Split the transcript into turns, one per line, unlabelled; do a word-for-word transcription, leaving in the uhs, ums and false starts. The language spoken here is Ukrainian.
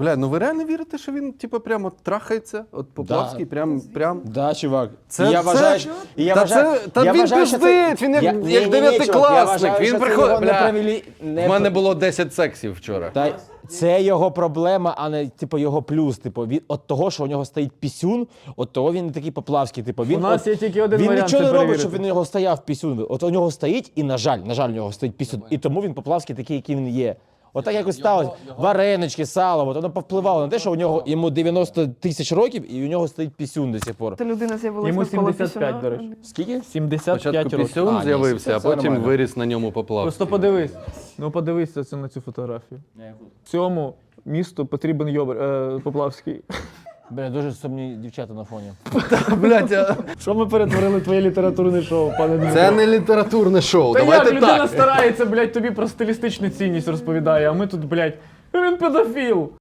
Бля, ну ви реально вірите, що він типу прямо трахається? От Поплавський, прям, прям.
Да, чувак.
Це-
І я
це-
вважаю, що- і я
Та
вважаю,
це- та
я
він
вважаю, що це-
пиздить, він як-
Я-
як
ні-ні-ні,
дев'ятикласник,
чувак, я вважаю,
він
що це
приходить-
його
бля,
неправилі- не-
В мене було десять сексів вчора.
Та це його проблема, а не типу його плюс. Типу, від от того, що у нього стоїть пісюн, от того він не такий Поплавський. Типу, він
У нас
от,
є тільки один
він
варіант
нічого
це
не робить,
перевірити.
щоб він у нього стояв пісюн. От у нього стоїть, і на жаль, на жаль, у нього стоїть пісюн. І тому він Поплавський такий, який він є. Отак якось сталося. Варенички, сало, от воно повпливало на те, що у нього йому дев'яносто тисяч років, і у нього стоїть пісюн до сих пор.
Та людина з'явилася
Йому
навколо
сімдесят п'ять,
пісюна.
до речі.
Скільки?
сімдесят п'ять
Спочатку
років.
А,
пісюн
ні,
з'явився, а
це
потім
нормально.
виріс на ньому Поплавський.
Просто подивись. Ну подивись це на цю фотографію. Цьому місту потрібен Йобр, е, Поплавський.
Бля, дуже сумні дівчата на фоні.
Блядь, а-
Що ми перетворили твоє літературне шоу, пане Дмитро?
це не літературне шоу.
Та як
Давайте
людина
так.
старається, блядь, тобі про стилістичну цінність розповідає, а ми тут, блядь, він педофіл.